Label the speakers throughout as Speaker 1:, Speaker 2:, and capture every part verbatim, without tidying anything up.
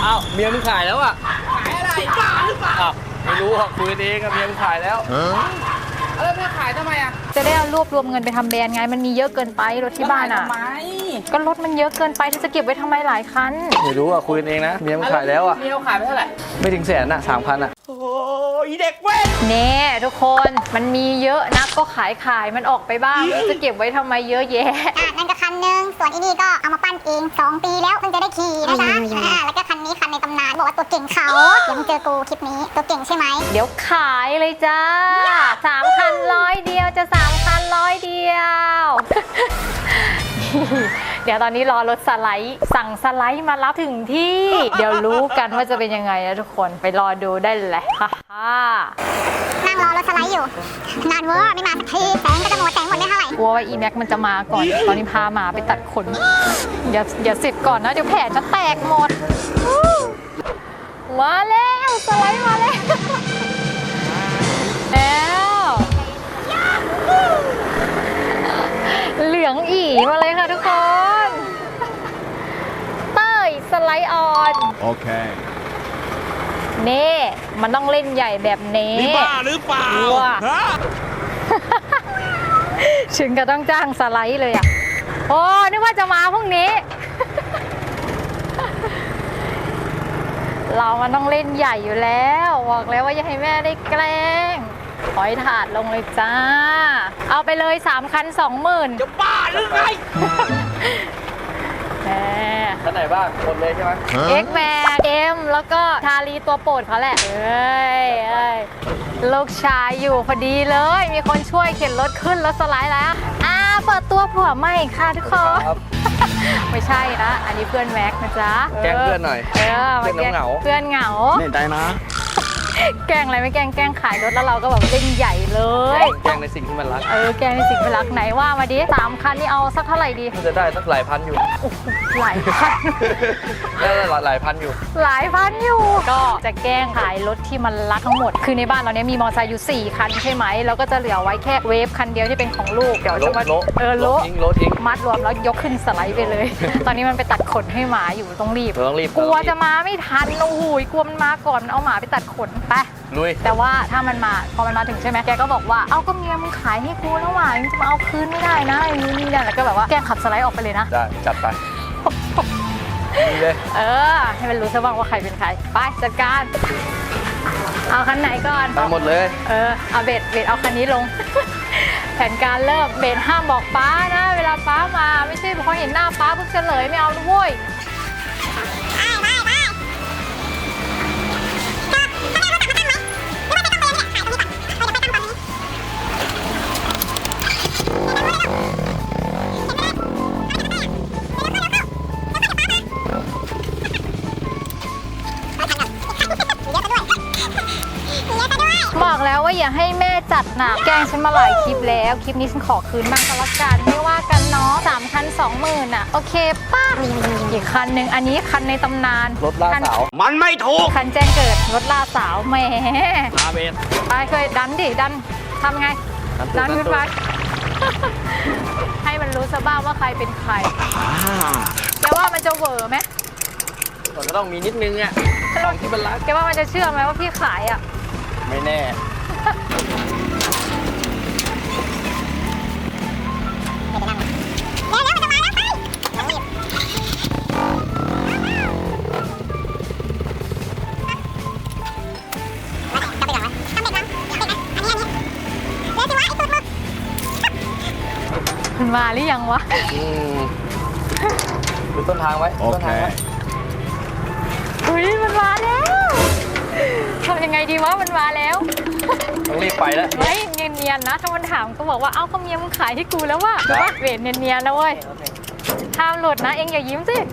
Speaker 1: อ้าวเมียมึงขายแล้วอ่ะ
Speaker 2: ขายอะไรบ้าหรือเปล่า
Speaker 1: อ้าวไม่รู้อ่ะคุยเองกับเมียมึงขายแล้ว
Speaker 2: เออไม่ขายทำไมอ่ะ
Speaker 3: จะได้เอารวบรวมเงินไปทำแบรนด์ไงมันมีเยอะเกินไปรถที่บ้านอ่ะ
Speaker 2: ทำไม
Speaker 3: ก็รถมันเยอะเกินไปที่จะเก็บไว้ทำไมหลายคัน
Speaker 1: ไม่รู้อ่ะคุยเองนะเมียมึงขายแล้วอ่ะ
Speaker 2: เมียขายไปเท่าไหร่
Speaker 1: ไม่ถึงแสนอ่ะสามพันอ่ะ
Speaker 2: โอ้ยเด็กเว้ย
Speaker 3: เน่ทุกคนมันมีเยอะนักก็ขายขายมันออกไปบ้างจะเก็บไว้ทำไมเยอะแยะ
Speaker 4: อ่ะนั่นก็คันหนึ่งส่วนอีนี่ก็เอามาปั้นเองสองปีแล้วเพิ่งจะได้ขี่นะจ๊ะอ่าแล้วก็คันนี้คันในตำนานบอกว่าตัวเก่งเขาเดี๋ยวมึงเจอกูคลิปนี้ตัวเก่งใช่ไหม
Speaker 3: เดี๋ยวขายเลยจ้าสามคันร้อยเดียวจะสามคันร้อยเดียว เดี๋ยวตอนนี้รอรถสไลด์สั่งสไลด์มารับถึงที่ เดี๋ยวรู้กันว่าจะเป็นยังไงนะทุกคนไปรอดูได้เลยค่ะ
Speaker 4: นั่งรอรถสไลด์อยู่นานเวอร์ไม่มาสักทีแสงก็จะหมดแสงหมดไม่เท่าไหร่
Speaker 3: กลัวว่าอีแม็กมันจะมาก่อน ตอนนี้พาหมาไปตัดขนอย่าอย่าสิบก่อนนะเดี๋ยวแผลจะแตกหมดมาแล้วสไลด์มาแล้วแล้วเหลืองอีมาเลยค่ะทุกคนเต้ยสไลด์ออน
Speaker 5: โอเค
Speaker 3: เน่มันต้องเล่นใหญ่แบบนี้
Speaker 5: นี่บ้าหรือเปล่าฮะ
Speaker 3: ถึงก็ต้องจ้างสไลด์เลยอ่ะโอ้นึกว่าจะมาพรุ่งนี้ เรามันต้องเล่นใหญ่อยู่แล้วบอกแล้วว่าอย่าให้แม่ได้แกล้งถอยถาดลงเลยจ้าเอาไปเลยสามคันสองหมื่น
Speaker 2: จะบ้าหรือไง
Speaker 3: แหม
Speaker 1: ท่านไหนบ้างหมดเลยใช่ไหม
Speaker 3: เอ็กแมนเอ็มแล้วก็ชาลีตัวโปรดเขาแหละเอ้ยเอ้ยลูกชายอยู่พอดีเลยมีคนช่วยเข็นรถขึ้นรถสไลด์แล้วอ่าเปิดตัวผัวใหม่ค่ะทุกคนไม่ใช่นะอันนี้เพื่อนแม็กนะจ๊ะ
Speaker 1: แกล้งเพื่อนหน่อย
Speaker 3: เออเพื่อนเหงาเพื่อนเหงา
Speaker 1: เห็นใจนะ
Speaker 3: แกล้งอะไรไม่แกล้งแกล้งขายรถแล้วเราก็แบบเล่นใหญ่เลย
Speaker 1: แกล้งในสิ่งที่มันรัก
Speaker 3: เออแกล้งในสิ่งที่รักไหนว่ามาดิสามคันนี่เอาสักเท่าไหร่ดี
Speaker 1: มันจะได้สักหลายพันอยู่
Speaker 3: หลายพัน
Speaker 1: ได้หลายหลายพันอยู่
Speaker 3: หลายพันอยู่ก็จะแกล้งขายรถที่มันรักทั้งหมดคือในบ้านเราเนี้ยมีมอเตอร์ไซค์อยู่สี่คันใช่ไหมแล้วก็จะเหลือไว้แค่เวฟคันเดียวที่เป็นของลูกเดี๋ยวจะมาเออโล
Speaker 1: ทิ้งโลทิ้ง
Speaker 3: มัดรวมแล้วยกขึ้นสไลด์ไปเลย ตอนนี้มันไปตัดขนให้หมาอยู่ต้องรีบ
Speaker 1: ต้องรีบ
Speaker 3: กลัวจะมาไม่ทันโอ้โหกลัวมันมาก่อนเอาหมาไปตัดขนไป
Speaker 1: ลุย
Speaker 3: แต่ว่าถ้ามันมาพอมันมาถึงใช่ไหมแกก็บอกว่าเอาก็เมียมึงขายให้กูแล้วหว่ามึงจะมาเอาคืนไม่ได้นะอย่างนี้นี่นั่นแล้วก็แบบว่าแกขับสไลด์ออกไปเลยนะ
Speaker 1: ได้จัดไปนี่เลย
Speaker 3: เออให้มันรู้ซะบ้างว่าใครเป็นใครไปจัดการเอาคันไหนก่อน
Speaker 1: ไปหมดเลย
Speaker 3: เออเอาเบสเบสเอาคันนี้ลง แผนการเริ่มเบสห้ามบอกป้านะเวลาป้ามาไม่ใช่พอเห็นหน้าป้าปุ๊บเฉลยไม่เอาด้วยบอกแล้วว่าอย่าให้แม่จัดหนักแกล้งฉันมาหลายคลิปแล้วคลิปนี้ฉันขอคืนบ้างก็แล้วกันไม่ว่ากันเนาะสามคันสองหมื่นอ่ะโอเคป้าอีกคันหนึ่งอันนี้คันในตำนาน
Speaker 1: รถล่าสาว
Speaker 5: มันไม่ถูก
Speaker 3: คันแจ้งเกิดรถล่าสาวแหม
Speaker 1: อาเบน
Speaker 3: ไปเคยดันดิดันทำไงดันขึ้นไปให้มันรู้ซะบ้างว่าใครเป็นใครแกว่ามันจะเวอร์ไหม
Speaker 1: ก็ต้องมีนิดนึงอ่ะของที่มันรัก
Speaker 3: แกว่ามันจะเชื่อไหมว่าพี่ขายอ่ะ
Speaker 1: ไม่แน่
Speaker 3: มันมาหรือยังวะ
Speaker 1: ดูต้นทางไว้
Speaker 5: โอเค
Speaker 3: อุ้ยมันมาแล้วทำยังไงดีวะมันมาแล้ว
Speaker 1: ต้องรีบไปแล้ว
Speaker 3: ไม่เนียนๆนะถ้ามันถามก็บอกว่าเอ้าก็เมียมึงขายให้กูแล้วว่ะว่าเวทเนียนๆนะเว้ยห้ามหลุดนะเอ็งอย่ายิ้มสิ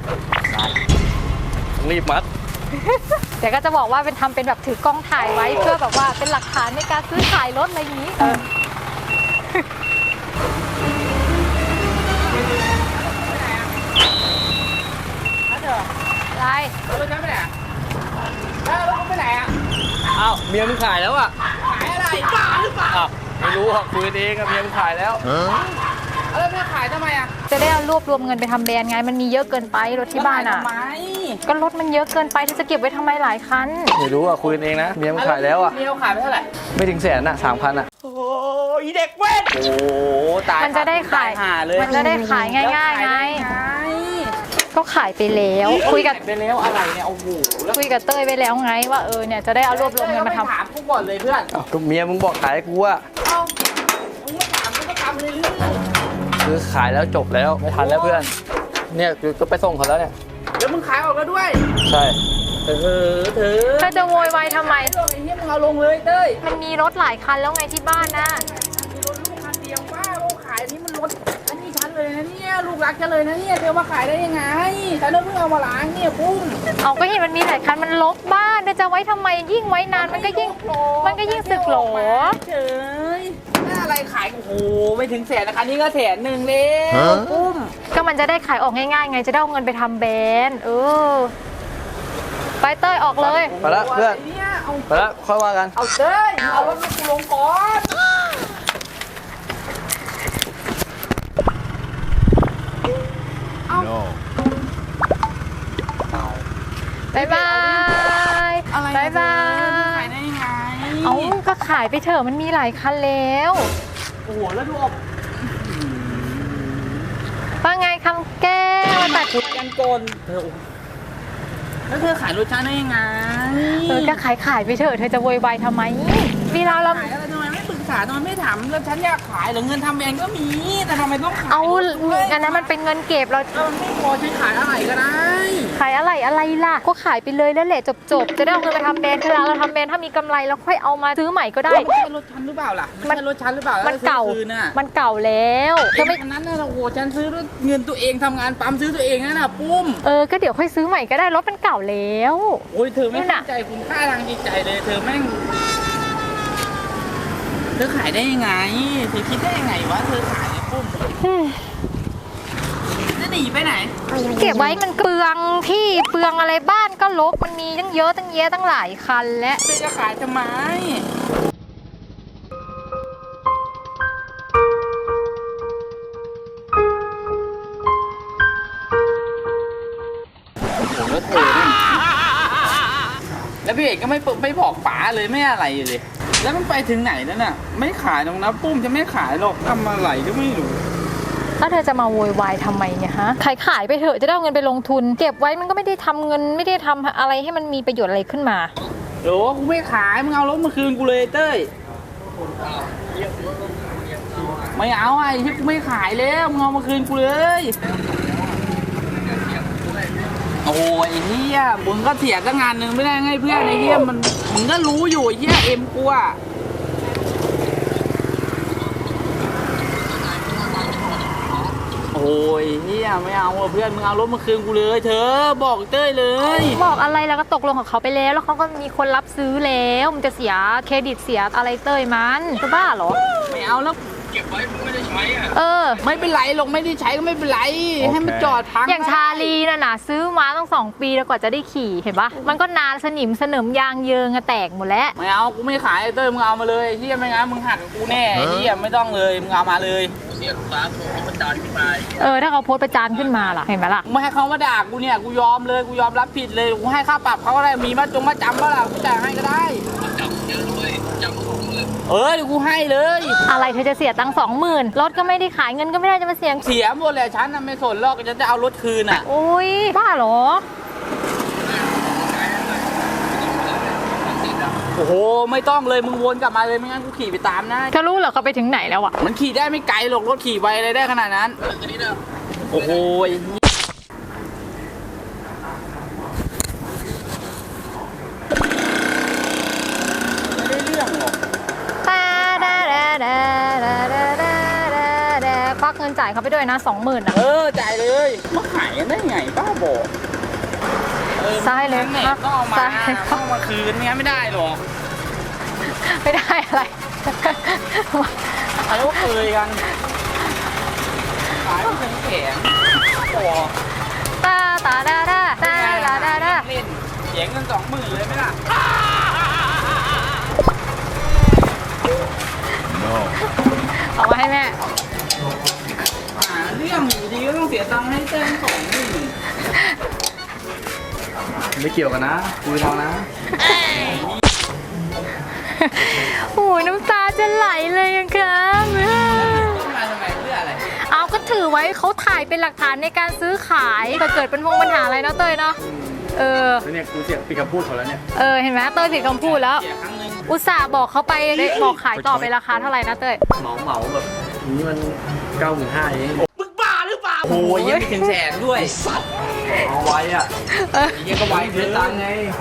Speaker 1: รีบมัด
Speaker 3: เดี๋ยวก็จะบอกว่าเป็นทำเป็นแบบถือกล้องถ่ายไว้เพื่อแบบว่าเป็นหลักฐานในการซื้อขายรถอะไรอย่างนี้เอออะไร
Speaker 2: รถฉันไปไหนแล้วรถไปไหนอ่ะ
Speaker 1: อ้าวเมียมึงขายแล้วอ่ะ
Speaker 2: ขายอะไรบ้าหรือเปล่า
Speaker 1: อ้าวไม่รู้อ่ะคุยเองกับเมียมึงขายแล้ว
Speaker 2: แล้วแม่ขายทำไมอ่ะ
Speaker 3: จะได้เอารวบรวมเงินไปทำแบรนด์ไงมันมีเยอะเกินไปรถที่บ้านอ่ะ
Speaker 2: ทำไม
Speaker 3: ก็รถมันเยอะเกินไปเธอจะเก็บไว้ทำไมหลายคัน
Speaker 1: ไม่รู้อ่ะคุยกันเองนะเมียมึงขายแล้วอ่ะ
Speaker 2: เมียขายไปเท่าไหร่
Speaker 1: ไม่ถึงแสนอ่ะสามพันอ่ะ
Speaker 2: โอ้ยเด็กเว้นโอ้ตาย
Speaker 3: มันจะได้ขาย
Speaker 2: หาเลย
Speaker 3: มันจะได้ขายง่ายๆไง ก็ขายไปแล้วคุยกับ
Speaker 2: ไปแล้วอะไรเนี่ยโอ้โหแล้ว
Speaker 3: คุยกับเต้ยไปแล้วไงว่าเออเนี่ยจะได้เอารวบรวมเงินมาทำ
Speaker 2: ถามกูก่อนเลยเพื่อน
Speaker 1: เอ้าก็เมียมึงบอกขายให้กูอ่ะ
Speaker 2: เอ้ามึงไม่ถามกูก็ทำเลยลือ
Speaker 1: คือขายแล้วจบแล้วไม่ทันแล้วเพื่อน เนี่ยคือก็ไปส่งเขาแล้วเนี่ย
Speaker 2: แล้วมึงขายออกแล้วด้วย
Speaker 1: ใช่
Speaker 2: เออเธอ
Speaker 3: เธอจะโวยวายทำไม
Speaker 2: ไอ้เหี้ยมึงเอาลงเลยเต้ย
Speaker 3: มันมีรถหลายคันแล้วไงที่บ้านนะ
Speaker 2: มีรถลูกคันเดียวป้าเราขายอันนี้มันรถอันนี้ฉันเลยนะเนี่ยลูกรักฉันเลยนะเนี่ยเธอมาขายได้ยังไงฉันเพิ่งเอามาล้างเนี่ยปุ้ม
Speaker 3: เอาก็เห็นมันมีหลายคันมันลกบ้านเธอจะไว้ทำไมยิ่งไว้นานมันก็ยิ่งมันก็ยิ่งสึกหรอ
Speaker 2: เฉยน่าอะไรขายโอ้โหไม่ถึงแสนนะคันนี้ก็แสนหนึ่งเลยปุ้ม
Speaker 3: ก็มันจะได้ขายออกง่ายๆไงจะได้เอาเงินไปทำแบรนด์เออไปเต้ยออกเลย
Speaker 1: ไปละเพื่อน
Speaker 2: เนี่ยเอา
Speaker 1: ไปละค่อยว่ากัน
Speaker 2: เอาเต้ยเอารถมากูลงก่อน
Speaker 3: บายบาย
Speaker 2: อะไร
Speaker 3: บายบาย
Speaker 2: ขายได้ยังไง
Speaker 3: เอาก็ขายไปเถอะมันมีหลายคันแล้ว
Speaker 2: โอ้โหแล้วดูออก
Speaker 3: ว่าไงคำแก้วตัด
Speaker 2: ขุดกันโกนเธอแล้วเธอขายรถฉันได้ยังไง
Speaker 3: เออก็ขายขายไปเถอะเธอจะโวยวายทำไมเวลาเรา
Speaker 2: ขายอะไรทำไมไม่ปรึกษาทำไมไม่ถามแล้วฉันอยากขายหรือเงินทำแบรนด์ก็มีแต่ทำไมต้องขาย
Speaker 3: เอา
Speaker 2: รถด้วย
Speaker 3: อันนั้นมันเป็นเงินเก็บเรา
Speaker 2: เออไม่พอฉันขายอะไรก็ได้
Speaker 3: ขายอะไรอะไรล่ะ ก็ขายไปเลยแล้วแหละจบๆ จะได้เอาเงินไปทำแบรนด์เวลาเราทำแบรนด์ถ้ามีกำไรแล้วค่อยเอามาซื้อใหม่ก็ได้
Speaker 2: ไม่ใช่รถฉันหรือเปล่าล่ะไม่ใช่รถฉันหรือเปล่าแล้ว
Speaker 3: มันเก่า
Speaker 2: ซื้อคืนน่ะ
Speaker 3: มันเก่าแล้วเธ
Speaker 2: เธ
Speaker 3: อ
Speaker 2: อ
Speaker 3: ไม่
Speaker 2: ไม่อันนั้นน่ะโอ้โหฉันซื้อด้วยเงินตัวเองทำงานปั๊มซื้อตัวเองนั่นน่ะปุ้ม
Speaker 3: เออก็เดี๋ยวค่อยซื้อใหม่ก็ได้รถมันเก่าแล้ว
Speaker 2: โอ้ยเธอไม่
Speaker 3: นี่น่ะ
Speaker 2: เข้าใจคุณค่าทางจิตใจเลย เธอแม่งเธอขายได้ยังไงเธอคิดได้ยังไงวะเธอขายเนี่ยปุ้มจะหนีไปไหน
Speaker 3: เก็บไว้มันเปลืองที่เปลืองอะไรบ้านก็ลกมันมีตั้งเยอะตั้งแยะตั้งหลายคันและ
Speaker 2: เธอจะขายทำไมผมแล้วเธอเนี่ยแล้วพี่เอกก็ไม่เปิดไม่บอกป๋าเลยไม่อะไรเลย แล้วมันไปถึงไหนแล้วน่ะ ไม่ขายตรงนะปุ้มจะไม่ขายหรอกทำอะไรก็ไม่รู้
Speaker 3: ถ้าเธอจะมาโวยวายทำไมเนี่ยฮะขายขายไปเถอะจะได้เอาเงินไปลงทุน เก็บไว้มันก็ไม่ได้ทำเงินไม่ได้ทำอะไรให้มันมีประโยชน์อะไรขึ้นมา
Speaker 2: โหกูไม่ขายมึงเอารถมาคืนกูเลยเต้ยไม่เอาไอ้ที่กูไม่ขายแล้วมึงเอามาคืนกูเลยโอ้ยไอ้เฮียมึงก็เสียตั้งงานหนึ่งไม่ได้ไงเพื่อนไอ้เฮียมันมึงก็รู้อยู่ไอ้เฮียเอ็มกูอะโอ้ยเฮียไม่เอาอะเพื่อนมึงเอารถมาคืนกูเลยเธอบอกเต้ยเลย
Speaker 3: บอกอะไรแล้วก็ตกลงของเขาไปแล้วแล้วเขาก็มีคนรับซื้อแล้วมันจะเสียเครดิตเสียอะไรเต้ยมันจะบ้าเหรอ
Speaker 2: ไม่เอาแล้ว
Speaker 5: เก็บไว้มึงไม่ได้ใช้อ่ะ
Speaker 3: เออ
Speaker 2: ไม่เป็นไรหรอกไม่ได้ใช้ก็ไม่เป็นไร ให้มันจอดพัง
Speaker 3: อย่างชาลีน่ะนะซื้อมาตั้งสองปีแล้วกว่าจะได้ขี่เห็นปะมันก็นานสนิมสนิมยางเยิงอะแตกหมดแล้ว
Speaker 2: ไม่เอากูไม่ขายไอ้เต้ยมึงเอามาเลยที่ไม่งั้นมึงหักกูแน่ไอ้ที่ไม่ต้องเลยมึงเอามาเลย
Speaker 5: เสียลูกค้าโทรเขาประจานขึ้นมา
Speaker 3: เออถ้าเขาโพสต์ประจานขึ้นมาล่ะเห็นไหมล่ะ
Speaker 2: ไม่ให้เขามาด่ากูเนี่ยกูยอมเลยกูยอมรับผิดเลยกูให้ค่าปรับเขาก็ได้มีมาจงมาจำก็ล่ะกูจ่ายให้ก็ได้
Speaker 5: จับเยอะด้วยจับสองหมื่น
Speaker 2: เออเดี๋ยวกูให้เลย
Speaker 3: อะไรเธอจะเสียตังค์สองหมื่นรถก็ไม่ได้ขายเงินก็ไม่ได้จะมาเสีย
Speaker 2: เสียหมดเลยฉันน่ะไม่สนหรอกฉันจะเอารถคืนอ่ะ
Speaker 3: โอ้ยบ้าเหรอ
Speaker 2: โอ้โหไม่ต้องเลยมึงวนกลับมาเลยไม่งั้นกูขี่ไปตามนะ
Speaker 3: เธอรู้เหรอเขาไปถึงไหนแล้วอะ
Speaker 2: มันขี่ได้ไม่ไกลหรอกรถขี่ไปอะไรได้ขนาดนั้น
Speaker 5: เอออันนี้นะ
Speaker 2: โอ้โหไม่ได้เรื่องหรอก
Speaker 3: ตาดาดาดาดาดาดาดาดาควักเงินจ่ายเขาไปด้วยนะสองหมื่นอะ
Speaker 2: เออจ่ายเลยมาขายกันได้ไงบ้าบอกเออ
Speaker 3: ซ้ายเลย
Speaker 2: นั่นแหละต้องเอามา
Speaker 3: ซ้ายเลย
Speaker 2: ต้องเอามาคืนงั้นไม่ได้หรอก
Speaker 3: ไม่ได้อะไร
Speaker 2: อะไรว่าเคยกันขายไม่เป็นแข็งโอ้
Speaker 3: ตาตาดาดาตาดาดาดา
Speaker 2: เล่นเสียเงินสองหมื่นเลยไหมล่ะ
Speaker 3: เอามาให้แม่
Speaker 2: เสียตังค์ให้เต้นสองหมื่น
Speaker 1: ไม่เกี่ยวกันนะคุยเรานะ
Speaker 3: โอ้ยน้ำตาจะไหลเลยอะครับ
Speaker 2: ต้องมาทำไมเพื่ออะไร
Speaker 3: เอาก็ถือไว้เขาถ่ายเป็นหลักฐานในการซื้อขายถ้าเกิดเป็นพงปัญหาอะไรเนาะเต้ยเนาะเออ
Speaker 1: แล้วเนี่ยกูเสียปิดคำพูดเขาแล้วเนี่ย
Speaker 3: เออเห็นไหมเต้ยผิดคำพูดแล้ว
Speaker 2: เสียครั้งหนึง
Speaker 3: อุตส่าห์บอกเขาไปบอกขายต่อไปราคาเท่าไหร่นะเต้ย
Speaker 1: เหมาเหมาแบบนี้มันเก้าหมื่นห้าเอง
Speaker 2: มึงบ้าหรือเปล่าโอ้ยยังไม่ถึงแสนด้วยสัตว์
Speaker 1: เอาไว้อะ
Speaker 3: เออ
Speaker 2: ยังก็ไว้
Speaker 1: เสี
Speaker 2: เสี
Speaker 1: ย
Speaker 2: ย
Speaker 1: ตั
Speaker 2: ตั
Speaker 1: ง
Speaker 2: ง
Speaker 1: ค์
Speaker 2: ค์
Speaker 1: ไง
Speaker 2: ไง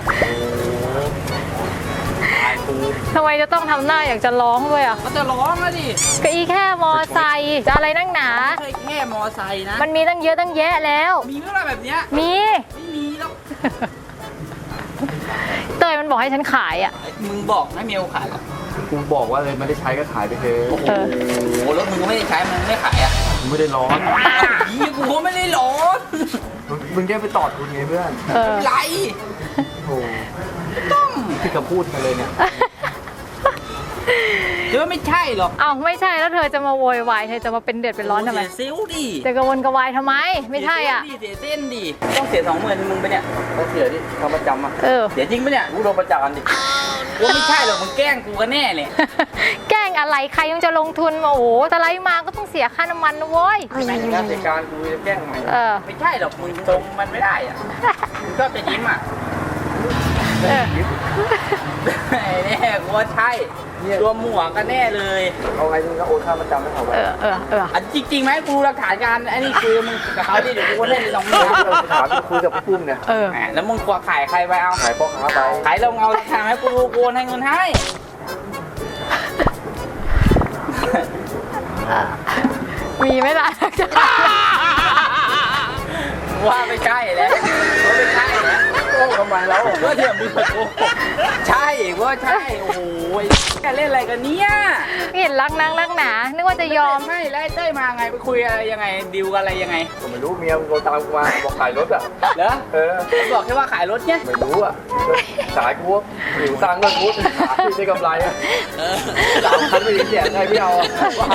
Speaker 3: ทำไมจะต้องทำหน้าอยากจะร้องด้วยอ่ะ
Speaker 2: ก็จะร้องแล้วดิ
Speaker 3: ก็อีแค่มอไซค์จะอะไรนั่งหนา
Speaker 2: ไม่ใช่แค่มอไซค์นะ
Speaker 3: มันมีตั้งเยอะตั้งแยะแล้ว
Speaker 2: มีเมื่อไรแบบเนี้ย
Speaker 3: มี
Speaker 2: ไม่มีแล้ว
Speaker 3: เต้ยมันบอกให้ฉันขายอ่ะ
Speaker 2: มึงบอกไม่มีโอกาสหรอก
Speaker 1: กูบอกว่าเลยไม่ได้ใช้ก็ขายไปเถอะ
Speaker 2: โอ้โห
Speaker 3: เออ
Speaker 2: แล้วมึงก็ไม่ได้ใช้มึงไม่ขายอ่ะ
Speaker 1: มึงไม่ได้ร้อน
Speaker 2: ยี่กูก็ไม่ได้ร้อน
Speaker 1: มึงแค่ไปตอดคุณไงเพื่อน
Speaker 3: เออ
Speaker 2: ไร
Speaker 1: โอ้ปิดคำพูดกันเลยเนี่ย
Speaker 2: เดี๋ยวไม่ใช่หรอก
Speaker 3: เอาไม่ใช่แล้วเธอจะมาโวยวายเธอจะมาเป็นเดือดเป็นร้อนทำไม
Speaker 2: เสียซิลดิ
Speaker 3: จะกระวนกระวายทำไม ไม่ใช่อ่ะ
Speaker 2: เสียเส้นดิต้องเสียสองหมื่นมึงไปเนี่ย
Speaker 1: ต้องเสียดิทำประจำอ่ะ
Speaker 3: เออ
Speaker 2: เสียจริงปะเนี่ย
Speaker 1: กูโดนประจานดิ
Speaker 2: กูไม่ใช่หรอกมึงแกล้งกูกันแน่เลย
Speaker 3: แกล้งอะไรใครยังจะลงทุนมาโอ้โหสไลด์มาก็ต้องเสียค่าน้ำมันนะเว้ย
Speaker 1: งานเสียการกูจะแกล้งทำไม
Speaker 3: เออ
Speaker 2: ไม่ใช่หรอกมึงตรงมันไม่ได้อ่ะมึงชอบจะยิ้มอ่ะ
Speaker 3: เออ
Speaker 2: แน่กูว่าใช่ตัวหมวกกันแน่เลย
Speaker 1: เอาไงมึงก็โอนค่าประจำให้เขาไป
Speaker 3: เออเออเออ
Speaker 2: อันจริงๆไหมกูหลักฐานการไอ้นี่คือมึงกับเขาดิเดี๋ยวกูก็เล่นสองหมื่น
Speaker 1: ถามคุยกับพี่ปุ้มเนี่ย
Speaker 3: เออ
Speaker 2: แหมแล้วมึงกลัวขายใครไปเอา
Speaker 1: ขายพ่อค้าไป
Speaker 2: ขายลงเอาหลักฐานให้กูดูกูโอนให้เงินให้
Speaker 3: มีไหมล่ะ
Speaker 2: ว่าไม่ใช่แล้วว่าไม่ใช่แล้ว
Speaker 1: โอ้ทำไมแล้ว
Speaker 2: ก็เดี๋ยวมึงมาโกหกใช่ว่าใช่โอ้โหแกเล่นอะไรกันเนี่ย
Speaker 3: ไม่เห็นรักนังรักหนานึกว่าจะยอม
Speaker 2: ใช่แล้วไอ้เต้ยมาไงไปคุยอะไรยังไงดิวกันอะไรยังไง
Speaker 1: ผมไม่รู้เมียมึงโทรตามกูมาบอกขายรถอ่ะ
Speaker 2: เหรอ
Speaker 1: เออ
Speaker 2: บอกแค่ว่าขายรถเนี่ย
Speaker 1: ไม่รู้อ่ะขายกูหรือสร้างเงินกูขายได้กำไรอ่ะสามพันไม่ได้เสียใครไม่เอาอ่ะ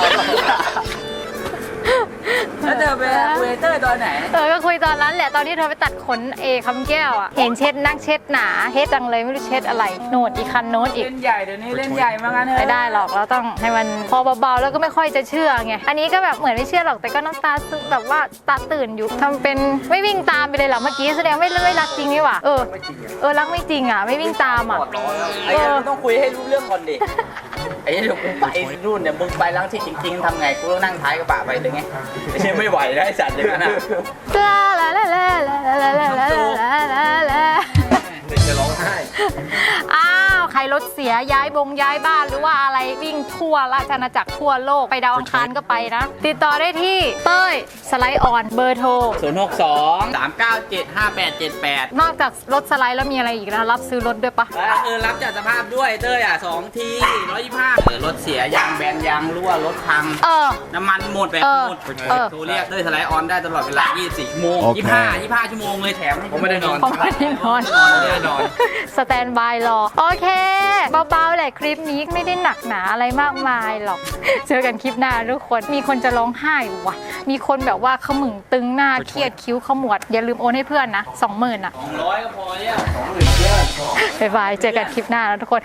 Speaker 2: แล้วเธอไปคุยกับเต้ยตอนไหน
Speaker 3: เออก็คุยตอนนั้นแหละตอนที่เธอไปตัดขนเอคำแก้วอ่ะเห็นเช็ดนักเช็ดหนาเฮ็ดจังเลยไม่รู้เช็ดอะไรโนดอีกคันโน้ตอีก
Speaker 2: เล่นใหญ่เดี๋ยวนี้เล่นใหญ่มางั้นเถอะ
Speaker 3: ไม่ได้หรอกเราต้องให้มันพอเบาๆแล้วก็ไม่ค่อยจะเชื่อไงอันนี้ก็แบบเหมือนไม่เชื่อหรอกแต่ก็น้ำตาซึมแบบว่าตาตื่นอยู่ทำเป็นไม่วิ่งตามไปเลยหรอเมื่อกี้แสดงไม่ไม่รักจริงนี่หว่าเออเออรักไม่จริงอ่ะไม่วิ่งตามอ่ะ
Speaker 2: ไอ้ยังต้องคุยให้รู้เรื่องก่อนดิไอ้เดี๋ยวกูไปนู่นเนี่ยมึงไปล้างที่จริงๆทำไงกูต้องนั่งท้ายกระบะไปเลยไงไอ้เชี่ยไม่ไหวแล้วไอ้สัตว์อย่างนั้นอ่ะ
Speaker 3: ลาลาลาลาลาลาลาลาลาลาลา
Speaker 1: เด็กจะร้องไห้
Speaker 3: อ้าวใครรถเสียย้ายบงย้ายบ้านหรือว่าอะไรวิ่งทั่วราชอาณาจักรทั่วโลกไปดาวอังคารก็ไปนะ ติดต่อได้ที่เต้ยสไลด์ออนเบอร์โทร
Speaker 2: ศูนย์หกสองสามเก้าเจ็ดห้าแปดเจ็ดแปด
Speaker 3: นอกจากรถสไลด์แล้วมีอะไรอีกนะรับซื้อรถด้วยปะ
Speaker 2: แล้วเออรับจัดสภาพด้วยเต้ยอ่ะสองทีร้อยยี่ห้าเออรถเสียยางแบนยางรั่วรถพัง
Speaker 3: เออ
Speaker 2: น้ำมันหมดแบบ
Speaker 3: เออ
Speaker 2: หมด
Speaker 3: เออ
Speaker 2: โทรเรียกเต้ยสไลด์ออนได้ตลอดเวลายี่สิบสี่ชั่วโมง
Speaker 1: โอเค
Speaker 2: ยี่สิบห้า ยี่สิบห้าชั่วโมงเลยแถมให้
Speaker 1: ผมไม่ได้นอน
Speaker 3: ผมไม่ได้นอน
Speaker 2: ไม่ได้นอน
Speaker 3: สแตนบายรอ โอเค เบาๆแหละคลิปนี้ไม่ได้หนักหนาอะไรมากมายหรอก เจอกันคลิปหน้าทุกคน มีคนจะร้องไห้ว่ะ มีคนแบบว่าขมึงตึงหน้าเครียดคิ้วขมวด อย่าลืมโอนให้เพื่อนนะสองหมื่นอ่ะ
Speaker 2: สองร้อยก็พอแล้ว
Speaker 3: บ๊ายบาย เจอกันคลิปหน้านะทุกคน